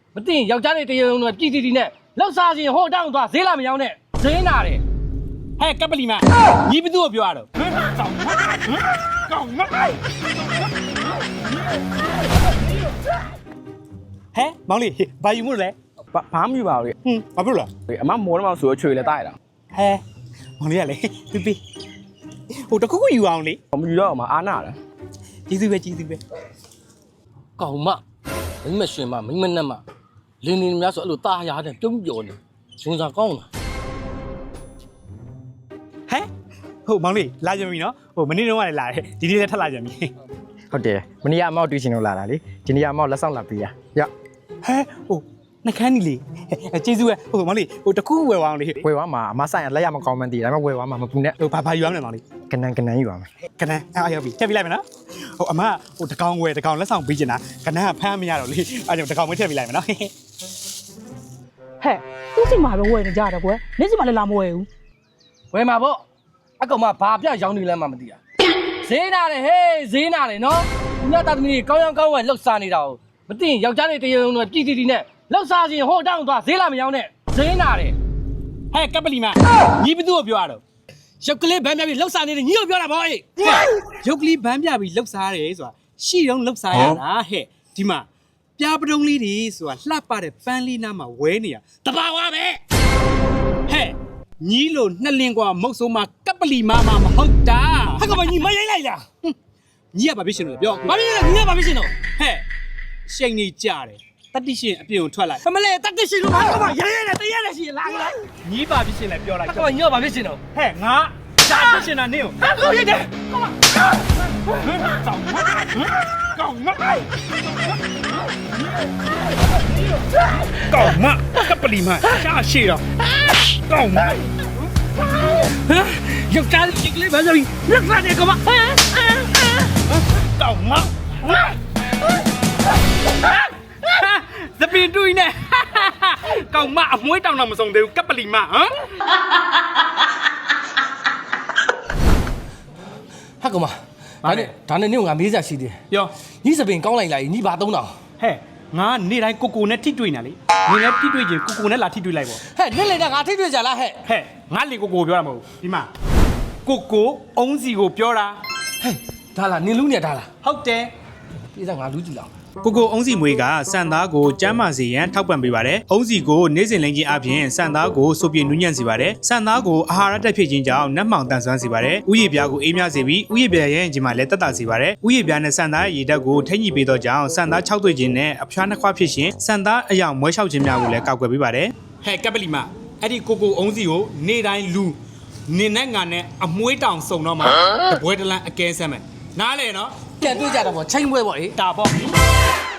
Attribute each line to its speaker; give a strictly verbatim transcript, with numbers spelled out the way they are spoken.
Speaker 1: မသိရင်ယောက်ျားလေးတရေုံနဲ့ပြည်တီတီနဲ့လောက်စားချင်းဟိုတောင်းသွားဈေးလာမရောင်းနဲ့ဈေးနာတယ်
Speaker 2: ဟဲ့ကပလီမညီဘသူ့ကိုပြောရတော့ကောင်းမဟဲ့မောင်လေးဘာယူမို့လဲ
Speaker 3: ဘာမှမယူပါဘူးလေ
Speaker 2: ဟွန်းဘာဖြစ်လို့လဲ
Speaker 3: အမမောတော့မှဆိုတော့ချွေလဲတိုက်တာ
Speaker 2: ဟဲမောင်လေးကလေပြပြဟိုတခုခုယူအောင်လေ
Speaker 3: မယူတော့မှအားနာတယ်
Speaker 2: ကျေးဇူးပဲကျေးဇူးပဲ
Speaker 1: ကောင်မမိမရှင်မမိမနဲ့မလင်းနေများဆိုအဲ့လိုตาရတဲ့ပြုံးပြော်နေဇွန်စာကောင်းလား
Speaker 2: ဟဲ့ဟုတ်မောင်လေးလာကြပြီနော်ဟိုမနေ့တုန်းကလည်းလာတယ်ဒီနေ့လည်းထပ်လာကြပြီ
Speaker 3: ဟုတ်တယ်မနေ့ကအမောက်တွေ့ချင်လို့လာတာလေဒီနေ့ကအမောက်လက်ဆောင်လာပေးရရ
Speaker 2: ဟဲဟိုနှခမ်းနီလေးကျေးဇူးပဲဟိုမောင်လေးဟိုတခုဝယ်အောင်လေ
Speaker 3: ဝယ်သွားမှာအမဆိုင်ကလက်ရမကောင်းမှန်းသိတယ်ဒါပေမဲ့ဝယ်သွားမှာမပူနဲ့
Speaker 2: ဟိုဘာဘာယူရမလဲမောင်လေး
Speaker 3: ကနန်းကနန်းယူပါမယ်
Speaker 2: ကနန်းအားရောက်ပြီထည့်ပြလိုက်မယ်နော်ဟိုအမဟိုတကောင်ဝယ်တကောင်လက်ဆောင်ပေးချင်တာကနန်းကဖမ်းမရတော့လေအားကြောင့်တကောင်မထည့်ပြလိုက်မယ်နော်
Speaker 4: ဟဲ့သူ့စီမှာပဲဝယ်နေကြတာကွယ်နေ့စီမှာလည်းလာမဝယ်ဘူး
Speaker 1: ဝယ်မှာပေါ့အကောင်မဘာပြရောင်းနေလဲမှမသိတာဈေးနာတယ်ဟေးဈေးနာတယ်နော်ဒီကတာသမီးကောင်းရောင်းကောင်းဝယ်လှုပ်စားနေတာကိုမသိရင်ယောက်ျားလေးတရေုံနဲ့ပြည်တီတီနဲ့လောက်စားချင်းဟိုတောင်းသွားဈေးလာမရောင်းနဲ့ဈေးနာတယ်
Speaker 2: ဟဲ့ကပလီမညီဘသူ့ကိုပြောရတော့
Speaker 1: ရုပ်ကလေးဗန်းပြပြီးလှုပ်စားနေတဲ့ညီကိုပြောတာပေါ့အေး
Speaker 2: ရုပ်ကလေးဗန်းပြပြီးလှုပ်စားတယ်ဆိုတာရှိတော့လှုပ်စားရတာဟဲ့ဒီမှာပြားပတုံးလေးတွေဆိုတာလှပတဲ့ပန်းလေးနားမှာဝဲနေရတဘာဝပဲဟဲ့ညီလို့နှစ်လင်းกว่าမုတ်ဆိုးမှာကပလီမမမဟုတ်တာ
Speaker 1: ဟာကောင်မညီမရိုက်လိုက်လား
Speaker 2: ညီကဘာဖြစ်ရှင်လို့ပြော
Speaker 1: ဘာဖြစ်လဲညီကဘာဖြစ်ရှင်တော့
Speaker 2: ဟဲ့ရှိန်နေကြတယ်တတိရှင်အပြင်ကိုထွက်လိုက်
Speaker 1: ဖမလေးတက်တက်ရှင်လို့ဟာကောင်မရဲရဲနဲ့တရဲနဲ့ရှင်လာလား
Speaker 2: ညီဘာဖြစ်ရှင်လဲပြောလိုက်
Speaker 1: ဟာကောင်မညီကဘာဖြစ်ရှင်တော့
Speaker 2: ဟဲ့ငါရှာဖြစ်ရှင်တာနင်းကို
Speaker 1: ဟာကောင်ရိုက်တယ်ကောင်မ
Speaker 2: ကောင်းမကောင်းမကပလီမရှာရှိတော့ကောင်းမ
Speaker 1: ယောက်ျားလေးကလေးဗန်းပြပြီးလှုပ်စားနေကောင်မ
Speaker 2: ကောင်းမသပင်တူနေကောင်းမအမွှေးတောင်တော့မဆုံးသေးဘူးကပလီမဟမ်
Speaker 1: ဟာကောင်မဒါနဲ့ဒါနဲ့နင့်ကငါမေးစားရှိတယ်
Speaker 2: ပြော
Speaker 1: ညီစပင်ကောင်းလိုက်လိုက်ညီဘာသုံးတောင်
Speaker 2: ဟဲ့ငါနေ့တိုင်းကိုကိုနဲ့ထိတွေ့နေလေနေလည်းထိတွေ့ချင်းကိုကိုနဲ့လာထိတွေ့လိုက်ပေါ့
Speaker 1: ဟဲ့နေ့လေငါထိတွေ့ကြလားဟဲ့
Speaker 2: ဟဲ့ငါလေကိုကိုပြောတာမဟုတ်ဘူးဒီမှာကိုကိုအုံးစီကိုပြောတာ
Speaker 1: ဟဲ့ဒါလားနင်လူနေဒါလား
Speaker 2: ဟုတ်တယ်
Speaker 1: ပြေးစားငါလူကြည့်လောက်
Speaker 2: ကိုကိုအုံးစီမွေးကစံသားကိုကျမ်းမာစေရန်ထောက်ပံ့ပေးပါတယ်။အုံးစီကိုနေ့စဉ်လိမ်ချင်းအပြင်စံသားကိုစိုးပြေနူးညံ့စေပါတယ်။စံသားကိုအာဟာရတက်ဖြစ်ခြင်းကြောင့်နတ်မှောင်တန်ဆွမ်းစေပါတယ်။ဥယျာဉ်ပြားကိုအေးမြစေပြီးဥယျာဉ်ပြားရဲ့ခြင်းမှာလည်းတက်တာစေပါတယ်။ဥယျာဉ်ပြားနဲ့စံသားရဲ့ရေဓာတ်ကိုထိညှိပေးသောကြောင့်စံသား၆သွေးခြင်းနဲ့အဖျားနှစ်ခွဖြစ်ရှင်စံသားအယောင်မွဲလျှောက်ခြင်းများကိုလည်းကောက်ွယ်ပေးပါတယ်။ဟဲ့ကပလီမအဲ့ဒီကိုကိုအုံးစီကိုနေ့တိုင်းလူနေနဲ့ငါနဲ့အမွှေးတောင်စုံတော့မှာတပွဲတလန်းအကဲဆမ်းမယ်။နားလေနော်
Speaker 1: ပြန်တွေ့ကြတာပေါ့ချိန်ပွဲပေါ့အေး
Speaker 2: ဒါပေါ့